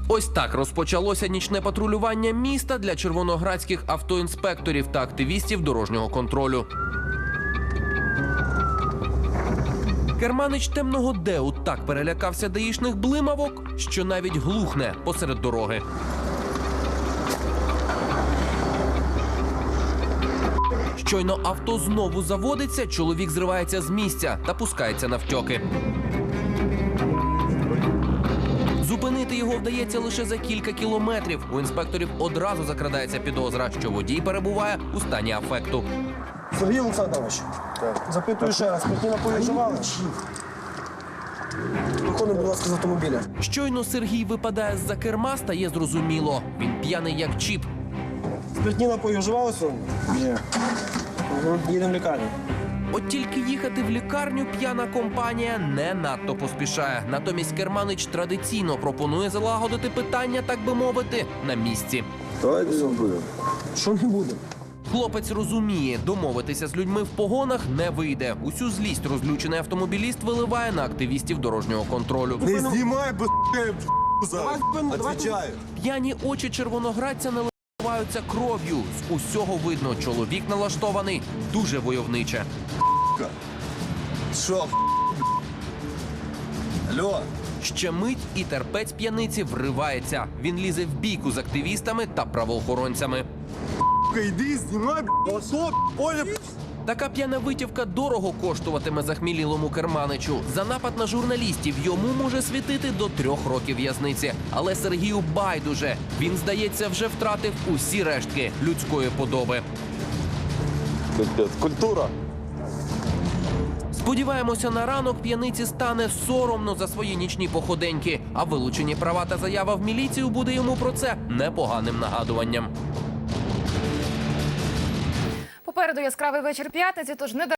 Ось так розпочалося нічне патрулювання міста для червоноградських автоінспекторів та активістів дорожнього контролю. Керманич темного Деу так перелякався даїшних блимавок, що навіть глухне посеред дороги. Щойно авто знову заводиться, чоловік зривається з місця та пускається навтьоки. Зупинити його вдається лише за кілька кілометрів. У інспекторів одразу закрадається підозра, що водій перебуває у стані афекту. Сергій Олександрович, запитую ще раз, спиртні напої вживали? Виходимо, будь ласка, з автомобіля. Щойно Сергій випадає з-за керма, стає зрозуміло. Він п'яний як чіп. Спиртні напої вживали сьогодні? Ні. Їдемо в лікарню. От тільки їхати в лікарню п'яна компанія не надто поспішає. Натомість Керманич традиційно пропонує залагодити питання, так би мовити, на місці. Давайте зробимо. Що не будемо? Хлопець розуміє, домовитися з людьми в погонах не вийде. Усю злість розлючений автомобіліст виливає на активістів дорожнього контролю. Не знімай, бо зараз. Отвечаю. П'яні очі червоноградця наливаються кров'ю. З усього видно, чоловік налаштований дуже войовниче. Що? Алло? Ще мить і терпець п'яниці вривається. Він лізе в бійку з активістами та правоохоронцями. Йди, знімай, понял? Така п'яна витівка дорого коштуватиме захмілілому Керманичу. За напад на журналістів йому може світити до 3 років в'язниці. Але Сергію байдуже. Він, здається, вже втратив усі рештки людської подоби. Культура. Сподіваємося, на ранок п'яниці стане соромно за свої нічні походеньки, а вилучені права та заява в міліцію буде йому про це непоганим нагадуванням. Попереду яскравий вечір п'ятниці, тож не